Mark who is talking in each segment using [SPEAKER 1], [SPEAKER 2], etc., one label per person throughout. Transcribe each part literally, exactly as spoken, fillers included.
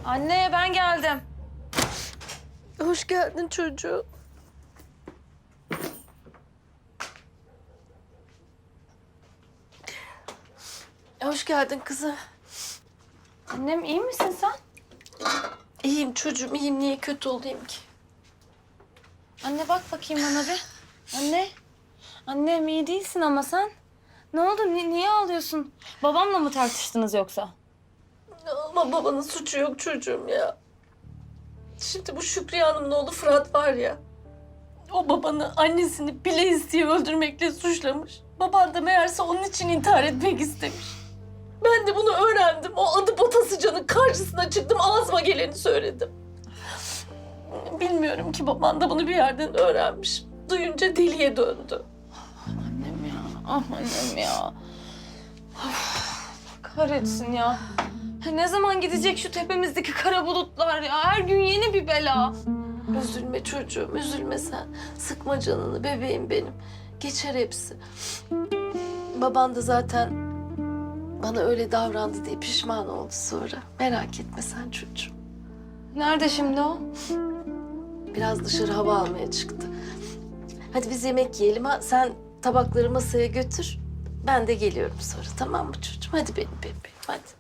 [SPEAKER 1] Anne ben geldim.
[SPEAKER 2] Hoş geldin çocuğum. Hoş geldin kızım.
[SPEAKER 1] Annem iyi misin sen?
[SPEAKER 2] İyiyim çocuğum, iyiyim. Niye kötü olayım ki?
[SPEAKER 1] Anne bak bakayım bana bir. Anne. Annem iyi değilsin ama sen. Ne oldu? Ni- niye ağlıyorsun? Babamla mı tartıştınız yoksa?
[SPEAKER 2] Ama babanın suçu yok çocuğum ya. Şimdi bu Şükriye Hanım'ın oğlu Fırat var ya. O babanı, annesini bile isteye öldürmekle suçlamış. Baban da meğerse onun için intihar etmek istemiş. Ben de bunu öğrendim. O adı Batasıcan'ın karşısına çıktım. Ağzıma geleni söyledim. Bilmiyorum ki baban da bunu bir yerden öğrenmiş. Duyunca deliye döndü.
[SPEAKER 1] Annem ya. Ah annem ya. Of, kahretsin ya. Ne zaman gidecek şu tepemizdeki kara bulutlar ya? Her gün yeni bir bela.
[SPEAKER 2] Üzülme çocuğum, üzülme sen. Sıkma canını bebeğim benim. Geçer hepsi. Baban da zaten bana öyle davrandı diye pişman oldu sonra. Merak etme sen çocuğum.
[SPEAKER 1] Nerede şimdi o?
[SPEAKER 2] Biraz dışarı hava almaya çıktı. Hadi biz yemek yiyelim ha. Sen tabakları masaya götür. Ben de geliyorum sonra, tamam mı çocuğum? Hadi benim bebeğim, hadi.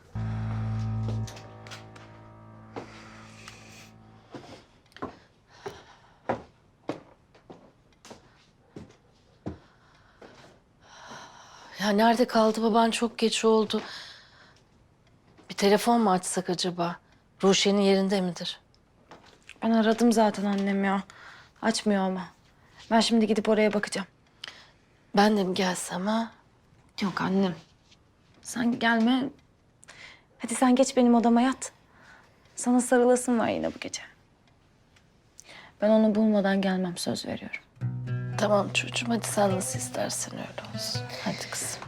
[SPEAKER 2] Ya nerede kaldı baban? Çok geç oldu. Bir telefon mu açsak acaba? Ruşen'in yerinde midir?
[SPEAKER 1] Ben aradım zaten annem ya. Açmıyor ama. Ben şimdi gidip oraya bakacağım.
[SPEAKER 2] Ben de mi gelsem ha?
[SPEAKER 1] Yok annem. Sen gelme. Hadi sen geç benim odama yat. Sana sarılasım var yine bu gece. Ben onu bulmadan gelmem, söz veriyorum.
[SPEAKER 2] Tamam çocuğum, hadi sen nasıl istersen öyle olsun. Hadi kızım.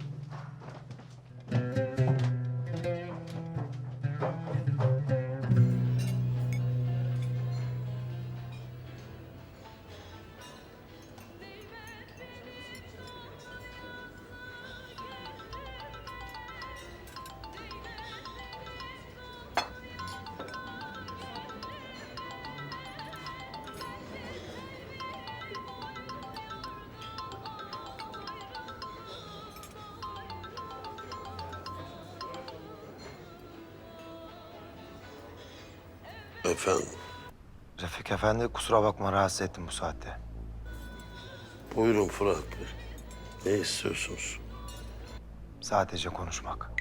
[SPEAKER 3] Efendim,
[SPEAKER 4] Refik Efendi, kusura bakma rahatsız ettim bu saatte.
[SPEAKER 3] buyurun Fırat Bey. Ne istiyorsunuz?
[SPEAKER 4] Sadece konuşmak.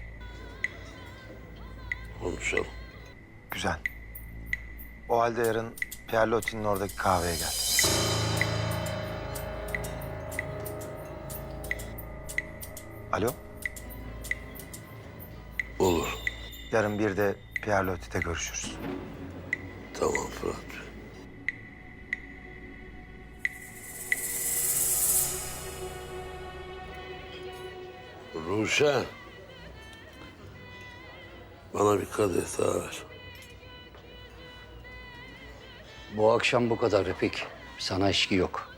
[SPEAKER 3] Konuşalım.
[SPEAKER 4] Güzel. O halde yarın Pierre Loti'nin oradaki kahveye gel. Alo?
[SPEAKER 3] Olur.
[SPEAKER 4] Yarın bir de Pierre Loti'de görüşürüz.
[SPEAKER 3] Tamam Fırat Bey. Ruşen. Bana bir kadeh daha ver.
[SPEAKER 5] Bu akşam bu kadar Refik. Sana içki yok.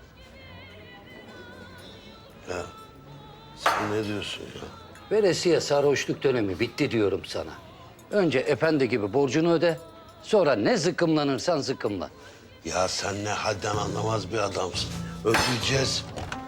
[SPEAKER 3] Ya sen ne diyorsun ya?
[SPEAKER 5] Veresiye sarhoşluk dönemi bitti diyorum sana. Önce efendi gibi borcunu öde. Sonra ne zıkkımlanırsan zıkkımlan.
[SPEAKER 3] Ya sen ne hadden anlamaz bir adamsın. Ödeyeceğiz.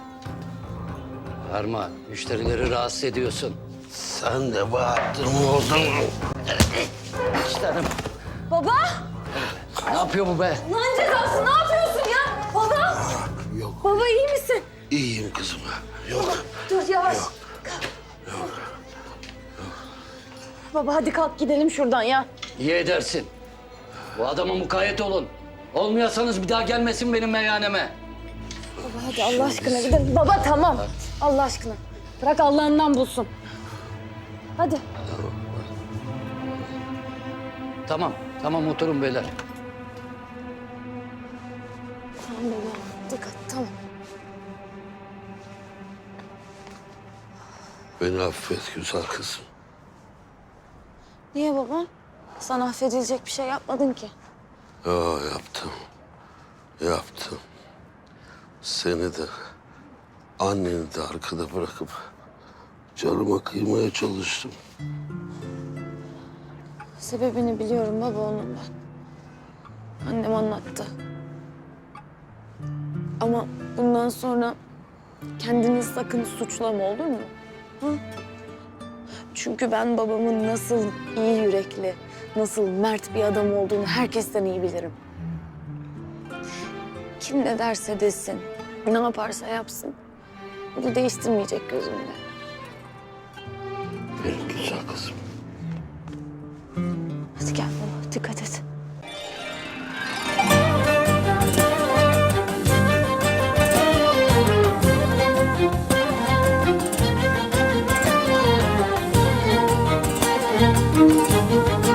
[SPEAKER 5] Varma, müşterileri rahatsız ediyorsun.
[SPEAKER 3] Sen de Bahattin'i oldun.
[SPEAKER 5] İşlerim.
[SPEAKER 1] Baba!
[SPEAKER 5] Ne yapıyor bu be?
[SPEAKER 1] Lan cezası ne yapıyorsun ya? Baba!
[SPEAKER 3] Yok,
[SPEAKER 1] Baba iyi misin?
[SPEAKER 3] iyiyim kızım. Yok.
[SPEAKER 1] Dur yavaş. Baba hadi kalk gidelim şuradan ya.
[SPEAKER 5] İyi edersin. Bu adama mukayyet olun. Olmayasanız bir daha gelmesin benim meyhaneme.
[SPEAKER 1] Baba hadi Allah aşkına gidelim. Baba tamam. Allah aşkına. Bırak Allah'ından bulsun. Hadi.
[SPEAKER 5] Tamam, tamam oturun beyler.
[SPEAKER 1] Tamam baba. Dikkat tamam.
[SPEAKER 3] Beni affet güzel kızım.
[SPEAKER 1] Niye baba? Sana affedilecek bir şey yapmadın ki.
[SPEAKER 3] Ya yaptım. Yaptım. Seni de, anneni de arkada bırakıp canıma kıymaya çalıştım.
[SPEAKER 1] Sebebini biliyorum baba onun ben. Annem anlattı. Ama bundan sonra kendini sakın suçlama, olur mu? Hı? Çünkü ben babamın nasıl iyi yürekli, nasıl mert bir adam olduğunu herkesten iyi bilirim. Kim ne derse desin, ne yaparsa yapsın, bunu değiştirmeyecek gözümde.
[SPEAKER 3] Benim güzel kızım.
[SPEAKER 1] Hadi gel baba, dikkat et.